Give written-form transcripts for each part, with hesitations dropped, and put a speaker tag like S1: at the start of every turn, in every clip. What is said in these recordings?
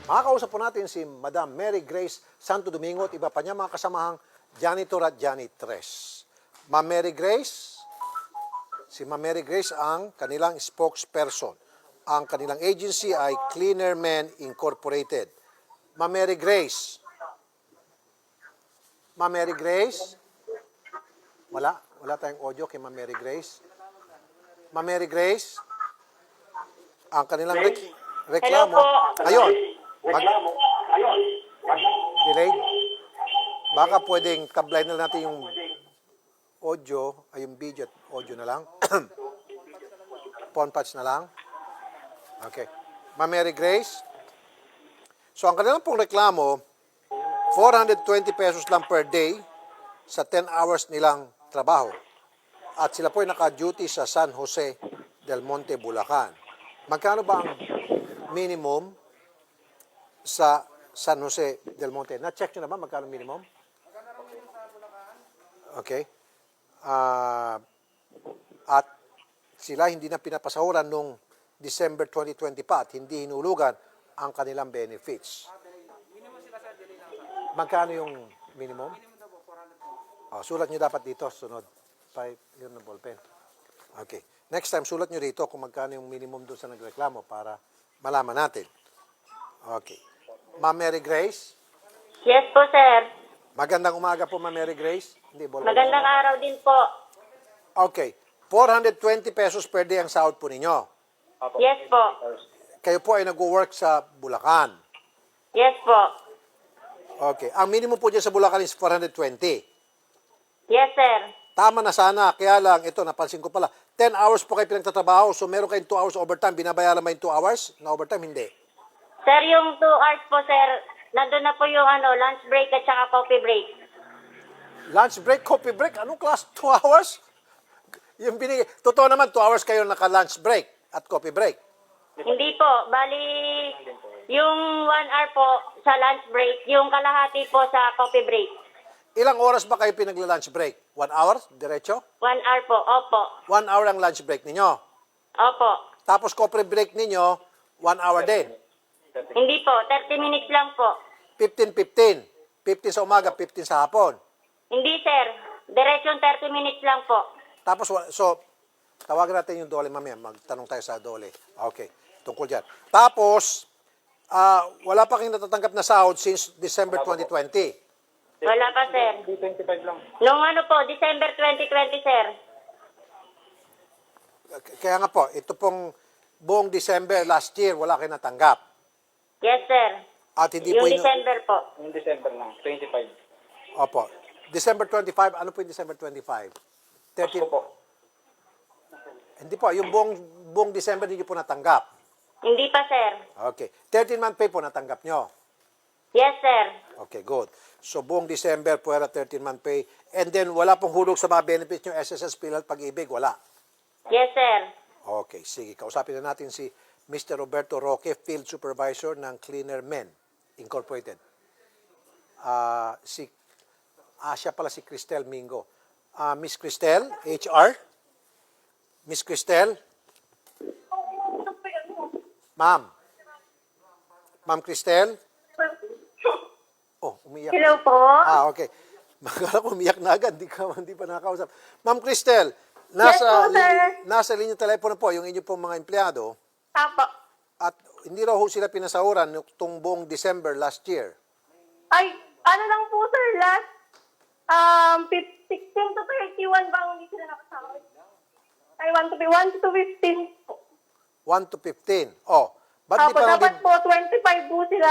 S1: Makakausap po natin si Madam Mary Grace Santo Domingo at iba pa niya mga kasamahang janitor at janitress. Ma'am Mary Grace, si Ma'am Mary Grace ang kanilang spokesperson. Ang kanilang agency ay Cleaner Men Incorporated. Ma'am Mary Grace. Ma'am Mary Grace? Wala tayong audio kay Ma'am Mary Grace. Ma'am Mary Grace? Ang kanilang reklamo. Ayun. Delayed. Baka pwedeng tablay na natin yung audio, ay yung video at audio na lang. Phone patch na lang. Okay. Ma'am Mary Grace? So, ang kanilang pong reklamo, 420 pesos lang per day sa 10 hours nilang trabaho. At sila po ay naka-duty sa San Jose del Monte, Bulacan. Magkano ba ang minimum sa San Jose del Monte? Na-check nyo na ba magkano minimum? Okay. At sila hindi na pinapasahuran nung December 2020 pa at hindi hinulugan ang kanilang benefits. Magkano yung minimum? Oh, sulat nyo dapat dito, sunod. 5, yun na ballpen. Okay. Next time, sulat nyo dito kung magkano yung minimum doon sa nagreklamo para malaman natin. Okay. Ma'am Mary Grace?
S2: Yes po, sir.
S1: Magandang umaga po, Ma'am Mary Grace. Hindi, ballpen.
S2: Magandang araw din po.
S1: Okay. 420 pesos per day ang sahod po ninyo.
S2: Yes po.
S1: Kayo po ay nag-work sa Bulacan.
S2: Yes po.
S1: Okay. Ang minimum po dyan sa Bulacan is 420.
S2: Yes, sir.
S1: Tama na sana. Kaya lang, ito, napansin ko pala. 10 hours po kayo pinagtatrabaho. So, meron kayong 2 hours overtime. Binabayaran ba yung 2 hours na overtime? Hindi.
S2: Sir, yung 2 hours po, sir, nandun na po yung lunch break at saka coffee break.
S1: Lunch break, coffee break. Anong class? 2 hours? Yung Totoo naman, 2 hours kayo naka-lunch break at coffee break.
S2: Hindi po. Bali, yung 1 hour po sa lunch break, yung kalahati po sa coffee break.
S1: Ilang oras ba kayo pinagla-lunch break? 1 hour? Diretso?
S2: 1 hour po. Opo.
S1: 1 hour ang lunch break ninyo.
S2: Opo.
S1: Tapos coffee break ninyo, 1 hour din.
S2: Hindi po. 30 minutes lang po.
S1: 15-15. 15 sa umaga, 15 sa hapon.
S2: Hindi, sir. Diretsyon 30 minutes lang po.
S1: Tapos, so, tawagan natin yung dole mamaya. Magtanong tayo sa dole. Okay, tungkol dyan. Tapos, wala pa kayong natatanggap na sahod since December 2020.
S2: Wala pa, sir.
S3: 25 lang.
S2: Nung po, December 2020, sir.
S1: Kaya nga po, ito pong buong December last year, wala kayong natanggap.
S2: Yes, sir.
S1: At hindi
S2: Yung
S1: po
S2: December po.
S3: Yung December lang, 25.
S1: Opo. December 25, ano po yung December 25? 13
S3: Opo po.
S1: Hindi po, yung buong December hindi po natanggap.
S2: Hindi pa, sir.
S1: Okay. 13-month pay po natanggap nyo.
S2: Yes, sir.
S1: Okay, good. So, buong December, puwera 13-month pay. And then, wala pong hulog sa mga benefits nyo, SSS, PhilHealth, Pag-ibig, wala.
S2: Yes, sir.
S1: Okay, sige. Kausapin na natin si Mr. Roberto Roque, Field Supervisor ng Cleaner Men Incorporated. Siya pala si Cristel Mingo. Miss Cristel, HR? Miss Cristel? Ma'am? Ma'am Cristel? Oh, umiyak.
S2: Hello po.
S1: Okay. Magkala ko umiyak na agad, hindi pa nakakausap. Ma'am Cristel,
S2: Yes po, sir.
S1: nasa linya telepono po yung inyo pong mga empleyado
S2: Apo.
S1: at hindi raw ho sila pinasahuran itong buong December last year.
S4: Ay, ano lang po sir, last 16 to 31 ba hindi sila nakasahod? Ay, 1 to 15 po.
S1: 1 to 15. Oh, ba't di
S4: Apo,
S1: pa
S4: dapat po 25 po sila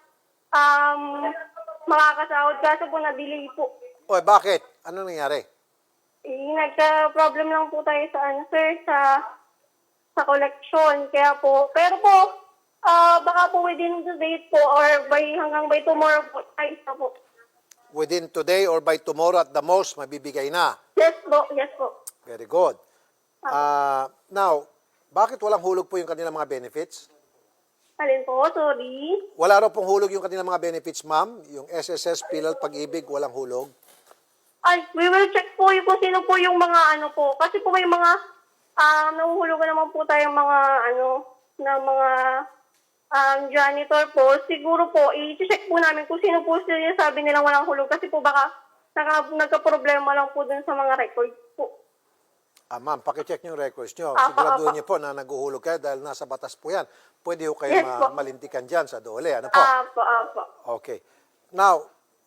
S4: makakasahod kaso po na-delay po.
S1: Oh, bakit? Ano nangyari?
S4: Nagka-problem lang po tayo sa sir, sa collection. Kaya po, pero po, baka po within the date po or hanggang by tomorrow po, ay isa po.
S1: Within today or by tomorrow at the most, mabibigay na.
S4: Yes po, yes po.
S1: Very good. Now, bakit walang hulog po yung kanilang mga benefits?
S4: Alin po, sorry.
S1: Wala raw pong hulog yung kanilang mga benefits, ma'am? Yung SSS, PhilHealth, Pag-ibig, walang hulog?
S4: Ay, we will check po yung kung sino po yung mga po. Kasi po may mga, nahuhulugan naman po tayong mga na mga janitor po, siguro po, i-check po namin kung sino po sila sabi nilang walang hulog kasi po baka nagka-problema lang po dun sa mga records po.
S1: Ma'am, pakicheck niyo yung records niyo.
S4: Apa,
S1: Siguraduhin
S4: apa.
S1: niyo po na naguhulog kayo dahil nasa batas po yan. Pwede ho kayo
S4: Yes po.
S1: malintikan dyan sa dole. Ano po?
S4: Apo.
S1: Okay. Now,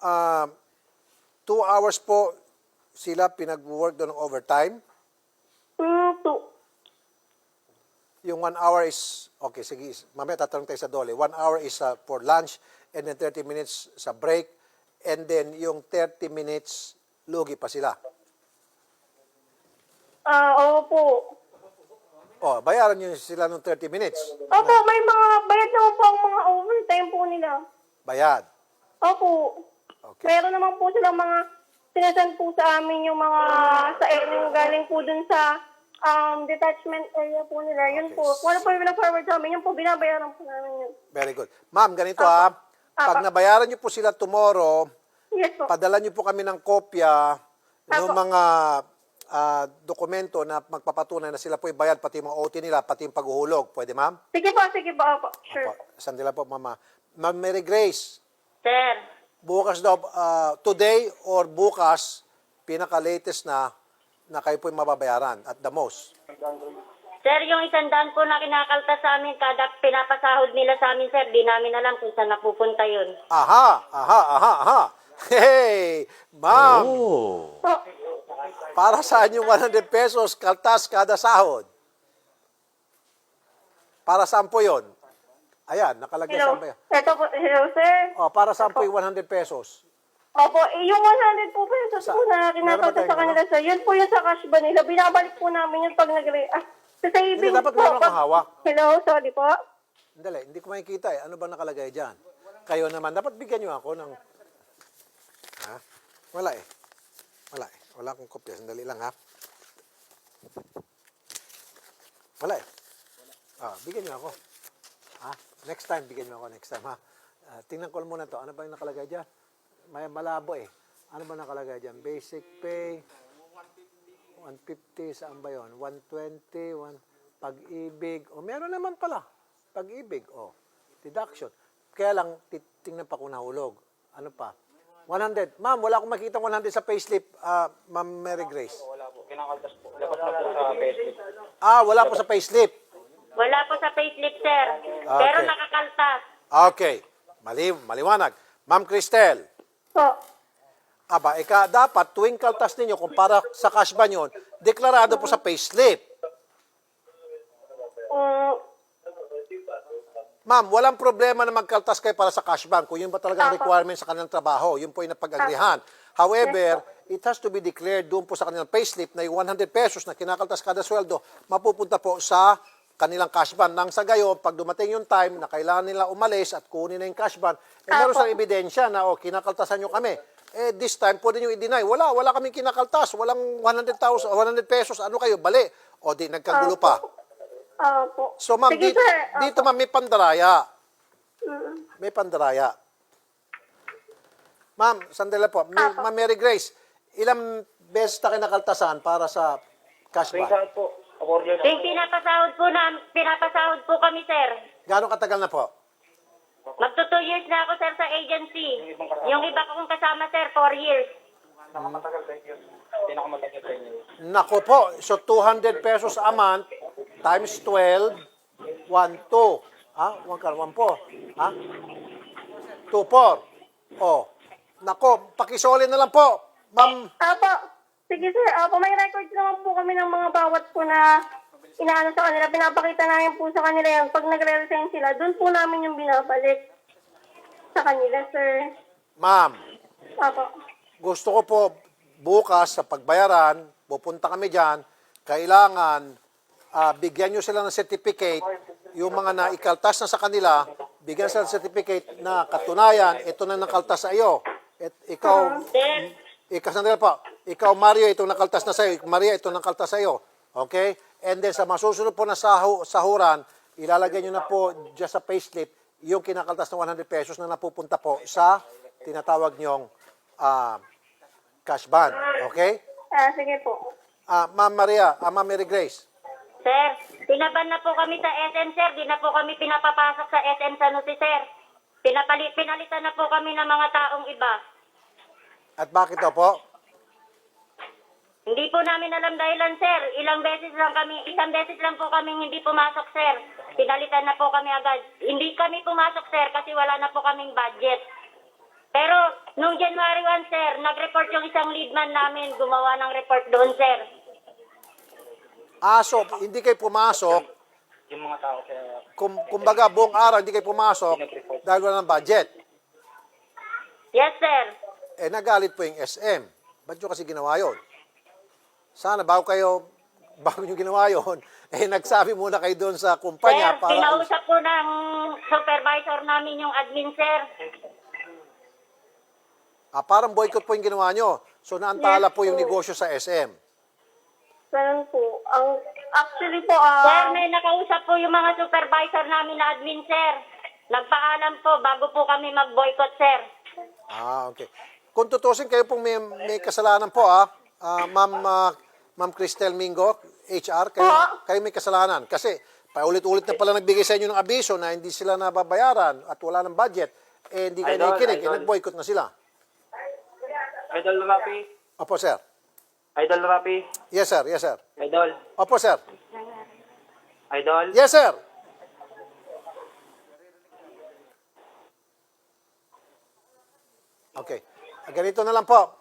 S1: 2 hours po sila pinag-work doon ng overtime.
S4: 2.
S1: Yung 1 hour is, okay, sige, mamaya tatanong tayo sa dole. 1 hour is for lunch and then 30 minutes sa break and then yung 30 minutes, lugi pa sila.
S4: Opo.
S1: Oh, bayaran nyo sila ng 30 minutes.
S4: Opo, may mga bayad naman po ang mga overtime po nila.
S1: Bayad.
S4: Opo.
S1: Okay.
S4: Meron naman po silang mga sinasend po sa amin yung mga yung galing po dun sa detachment area po nila. Yun
S1: Okay.
S4: po. Wala po yung forward sa amin. Yun po, binabayaran po namin yun.
S1: Very good. Ma'am, ganito ha. Pag
S4: Apa.
S1: nabayaran nyo po sila tomorrow,
S4: Yes po.
S1: padala nyo po kami ng kopya ng
S4: Apo.
S1: mga dokumento na magpapatunay na sila po bayad, pati yung mga OT nila, pati yung paghuhulog. Pwede, ma'am?
S4: Sige po. Opo. Sure.
S1: Sandila po, mama. Ma'am Mary Grace,
S2: Sir,
S1: bukas daw, today or bukas, pinaka-latest na kayo po yung mababayaran at the most.
S2: sir, yung 100 po na kinakalta sa amin, kada pinapasahod nila sa amin, sir, di namin alam kung saan napupunta yun.
S1: Aha. Hey, ma'am,
S4: Po.
S1: para saan yung 100 pesos kaltas kada sahod? Para saan po yun? Ayan, nakalagay
S4: Hello.
S1: saan ba yun?
S4: Ito po. Hello, sir.
S1: Para saan po yung 100 pesos?
S4: Opo, yung 100 po pesos po na
S1: Meron ba
S4: kinakalta
S1: tayong
S4: sa kanila, sir. Yun po yung sa cash ba nila. Binabalik po namin yun pag sa savings
S1: Hindi, dapat
S4: po.
S1: meron kang hawak.
S4: Hello, sorry po.
S1: Hindi ko makikita eh. Ano ba nakalagay dyan? Kayo naman, dapat bigyan nyo ako ng... Ha? Wala eh. Wala akong kopya. Sandali lang ha. Wala eh. Bigyan nyo ako. Next time, bigyan nyo ako next time ha. Tingnan ko muna to. Ano ba yung nakalagay dyan? May malabo eh. Ano ba nakalagay dyan? Basic pay. 150, saan ba yun? 120, pag-ibig. Meron naman pala. Pag-ibig, deduction. Kaya lang, tingnan pa kung nahulog. Ano pa? 100. Ma'am, wala akong makita 100 sa payslip, Ma'am Mary Grace.
S3: Wala po. Kinakaltas po. Dapat na po sa payslip.
S1: Wala po sa payslip.
S2: Wala po sa payslip, sir. Pero
S1: Okay.
S2: nakakaltas.
S1: Okay. Maliwanag. Ma'am Cristel,
S4: Po.
S1: dapat tuwing kaltas ninyo, kung para sa cash ba yun, deklarado po sa payslip. Ma'am, walang problema na magkaltas kayo para sa cash bank kung yun ba talagang requirement sa kanilang trabaho. Yun po yung napag-agrihan. However, it has to be declared doon po sa kanilang payslip na yung 100 pesos na kinakaltas kada sweldo, mapupunta po sa kanilang cash ban. Nang sa gayon, pag dumating yung time na kailangan nila umalis at kunin na yung cash ban, meron silang ebidensya na, kinakaltasan nyo kami. This time, pwede nyo i-deny. Wala kaming kinakaltas. Walang 100 pesos. Ano kayo? Bali. Di nagkagulo pa.
S4: Opo.
S1: So, ma'am,
S4: Sige,
S1: dito,
S4: sir.
S1: dito ma'am, may pandaraya. May pandaraya. Ma'am, sandali po. Ma'am Mary Grace, ilang beses na kinakaltasan para sa cash
S3: Tuwing
S1: ban?
S3: saan po? Order na.
S2: Yung pinapasahod po kami, sir.
S1: Gano'ng katagal na po?
S2: Magto 2 years na ako, sir, sa agency. Yung iba kong kasama, sir, 4 years.
S3: Nakamatagal sa inyo. Pinakamatagal sa inyo.
S1: Nako po, so 200 pesos a month times 12, 1, 2. 1 po. 2, 4. Nako, pakisoli na lang po. Ma'am,
S4: Apo. Sige, sir. Apo, may records naman po kami ng mga bawat po na inaano sa kanila. Pinapakita namin po sa kanila yan. Pag nagre-resign sila, doon po namin yung binabalik sa kanila, sir.
S1: ma'am,
S4: Apo.
S1: gusto ko po bukas sa pagbayaran, pupunta kami dyan, kailangan bigyan nyo sila ng certificate, yung mga naikaltas na sa kanila, bigyan sila ng certificate na katunayan, ito na nakaltas sa iyo. At ikaw, sandali po, ikaw Mario, ito nakaltas na sa iyo, Maria, ito nakaltas sa iyo. Okay? And then sa masusunod po na sahuran, ilalagay nyo na po dyan sa payslip yung kinakaltas na 100 pesos na napupunta po sa tinatawag nyong cash ban. Okay?
S4: Sige po.
S1: Ma'am Maria, Ma'am Mary Grace,
S2: Sir, pinaban na po kami sa SM, sir. Di na po kami pinapapasok sa SM San Jose, sir. Pinalitan na po kami ng mga taong iba.
S1: At bakit daw po?
S2: Hindi po namin alam dahilan, sir. Isang beses lang po kami hindi pumasok, sir. Pinalitan na po kami agad. Hindi kami pumasok, sir, kasi wala na po kaming budget. Pero, nung January 1, sir, nag-report yung isang leadman namin, gumawa ng report doon, sir.
S1: So, hindi kayo pumasok,
S3: Yung mga tao kaya
S1: kumbaga buong araw hindi kayo pumasok dahil wala ng budget.
S2: Yes, sir.
S1: Nagalit po yung SM. Ba't nyo kasi ginawa yun? Sana bago nyo ginawa yun, nagsabi muna kayo doon sa
S2: Sir,
S1: kumpanya para...
S2: kinausap po ng supervisor namin yung admin, sir.
S1: Parang boycott po yung ginawa nyo. So, naantala
S4: Yes,
S1: po yung
S4: po.
S1: negosyo sa SM.
S4: Ganun po. Actually po,
S2: Sir, may nakausap po yung mga supervisor namin na admin, sir. Nagpaalam po bago po kami mag-boycott, sir.
S1: Okay. Kung tutusin kayo pong may kasalanan po, Ma'am Cristel Mingo, HR, kayo may kasalanan. Kasi paulit-ulit na pala nagbigay sa inyo ng abiso na hindi sila nababayaran at wala ng budget. Hindi kayo nakikinig, nag-boycott na sila.
S3: Idol Rapi.
S1: Opo, sir.
S3: Idol Rapi.
S1: Yes, sir. Yes, sir.
S3: Idol.
S1: Opo, sir.
S3: Idol.
S1: Yes, sir. Okay. Ganito na lang po.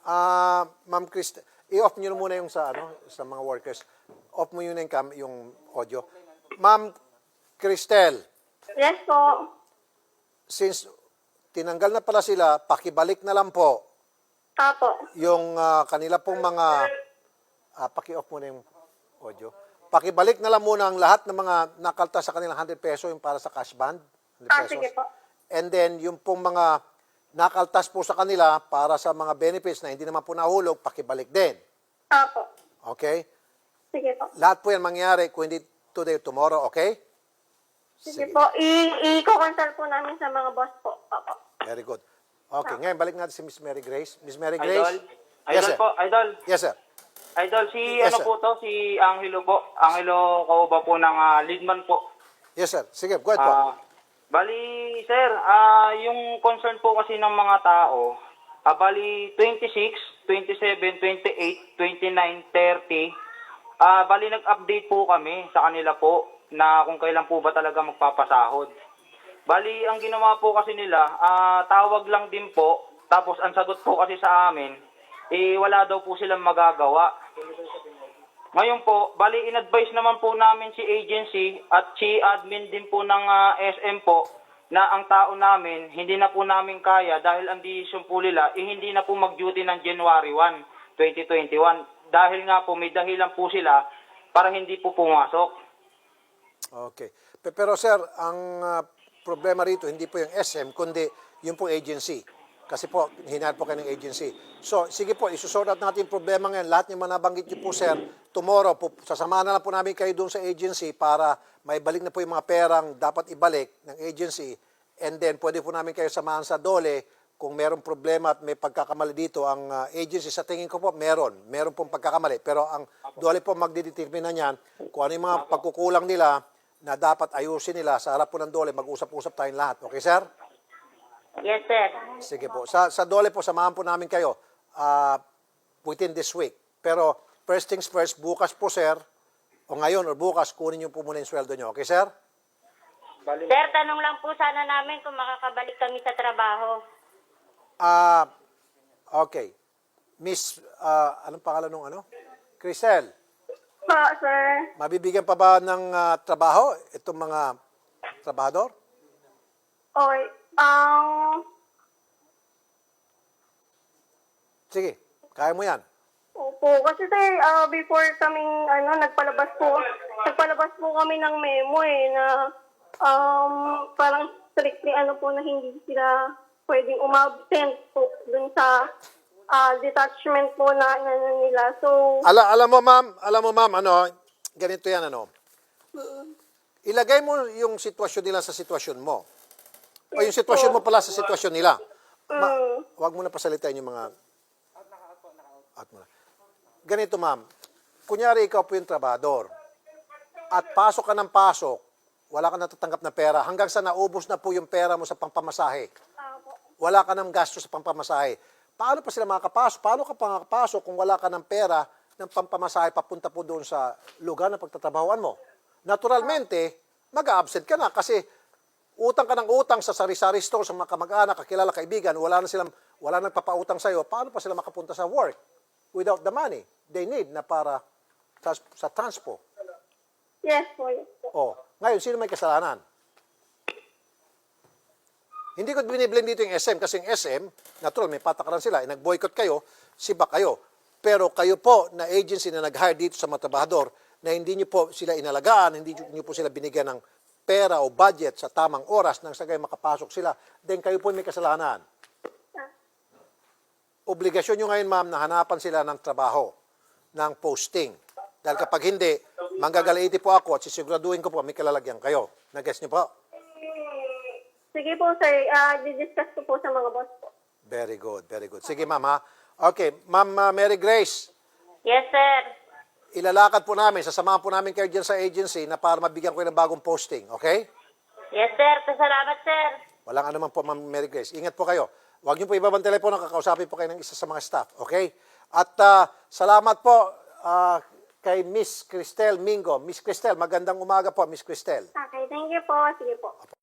S1: Ma'am Cristel, i-off nyo na muna yung sa mga workers. Off mo yun yung audio. Ma'am Cristel,
S4: yes po.
S1: since tinanggal na pala sila, pakibalik na lang po
S4: Apo.
S1: yung kanila pong mga, paki-off muna yung audio. Pakibalik na lang muna ang lahat ng mga nakalta sa kanilang 100 peso yung para sa cash band. 100 pesos.
S4: Sige po.
S1: And then, yung pong mga nakaltas po sa kanila para sa mga benefits na hindi naman po nahulog, pakibalik din.
S4: Apo.
S1: Okay?
S4: Sige po.
S1: Lahat po yan mangyari kung hindi today or tomorrow, okay?
S4: Sige po. I-consult po namin sa mga boss po. Apo.
S1: Very good. Okay, ngayon balik natin si Miss Mary Grace. Miss Mary
S3: Idol.
S1: Grace?
S3: Idol
S1: Yes, sir.
S3: po. Idol.
S1: Yes, sir.
S3: Idol,
S1: Yes, sir.
S3: po to? Si Angelo po. Angelo Kauba po ng Leadman po.
S1: Yes, sir. Sige, go ahead po.
S3: Bali, sir, yung concern po kasi ng mga tao, bali 26, 27, 28, 29, 30, bali nag-update po kami sa kanila po na kung kailan po ba talaga magpapasahod. Bali, ang ginawa po kasi nila, tawag lang din po, tapos ang sagot po kasi sa amin, wala daw po silang magagawa. Ngayon po, bali in-advise naman po namin si agency at si admin din po ng SM po na ang tao namin, hindi na po namin kaya dahil ang decision po nila, hindi na po mag-duty ng January 1, 2021. Dahil nga po, may dahilan po sila para hindi po pumasok.
S1: Okay. Pero sir, ang problema rito, hindi po yung SM, kundi yung po agency. Kasi po, hinahal po kayo ng agency. So, sige po, isusort out natin yung problema ngayon. Lahat yung nabanggit niyo po, sir, tomorrow, sasamahan na lang po namin kayo doon sa agency para maibalik na po yung mga perang dapat ibalik ng agency. And then, pwede po namin kayo samahan sa DOLE kung merong problema at may pagkakamali dito. Ang agency, sa tingin ko po, meron pong pagkakamali. Pero ang DOLE po magdidetermine na niyan kung ano yung mga pagkukulang nila na dapat ayusin nila. Sa harap po ng DOLE, mag-usap-usap tayong lahat. Okay, sir?
S2: Yes, sir.
S1: Sige po. Sa DOLE po, samahan po namin kayo within this week. Pero first things first, bukas po, sir, o ngayon or bukas, kunin niyo po muna yung sweldo niyo. Okay, sir?
S2: Sir, tanong lang po sana namin kung makakabalik kami sa trabaho.
S1: Okay. Miss, anong pangalan nung Crisel,
S4: Po, sir.
S1: mabibigyan pa ba ng trabaho itong mga trabahador?
S4: Okay.
S1: Sige, kaya mo yan.
S4: Opo, kasi sir, before kaming nagpalabas po kami ng memo na parang strictly po na hindi sila pwedeng umabsent po dun sa detachment po na nila. So,
S1: Alam mo ma'am, ganito yan, ilagay mo yung sitwasyon nila sa sitwasyon mo. O yung sitwasyon mo pala sa sitwasyon nila. Huwag mo na pasalitain yung mga... Ganito, ma'am. Kunyari, ikaw po yung trabador. at pasok ka ng pasok, wala ka natatanggap na pera, hanggang sa naubos na po yung pera mo sa pangpamasahe.
S4: Opo.
S1: Wala ka ng gasto sa pangpamasahe. Paano pa sila makakapasok? Paano ka pa makakapasok kung wala ka ng pera ng pampamasahe papunta po doon sa lugar na pagtatrabahoan mo? Naturalmente, mag-absent ka na kasi utang ka ng utang sa sari-sari store, sa mga kamag-anak, kakilala, kaibigan, wala nang papautang sa'yo. Paano pa sila makapunta sa work without the money they need na para sa transpo?
S4: Yes po, yes po.
S1: Oh, ngayon, sino may kasalanan? Hindi ko biniblame dito yung SM kasi yung SM, natural, may patakaran sila. Nag-boycott kayo, siba kayo. Pero kayo po na agency na nag-hire dito sa mga trabahador na hindi nyo po sila inalagaan, hindi nyo po sila binigyan ng pera o budget sa tamang oras nang sagay makapasok sila, then kayo po may kasalanan. Obligasyon nyo ngayon, ma'am, na hanapan sila ng trabaho, ng posting. Dahil kapag hindi, manggagalaiti po ako at sisiguraduhin ko po may kalalagyan kayo. Nag-guess nyo po?
S4: Sige po, sir. Di-discuss ko po sa mga boss po.
S1: Very good, very good. Sige, ma'am, ha? Okay, ma'am Mary Grace,
S2: Yes, sir.
S1: ilalakad po namin, sasamahan po namin kayo dyan sa agency na para mabigyan ko ng bagong posting, okay?
S2: Yes, sir. Salamat, sir.
S1: Walang anuman po, ma'am Mary Grace. Ingat po kayo. Huwag niyo po ibabang telepono, kakausapin po kayo ng isa sa mga staff, okay? At salamat po kay Miss Cristel Mingo. Miss Cristel, magandang umaga po, Miss Cristel.
S4: Okay, thank you po. Sige po.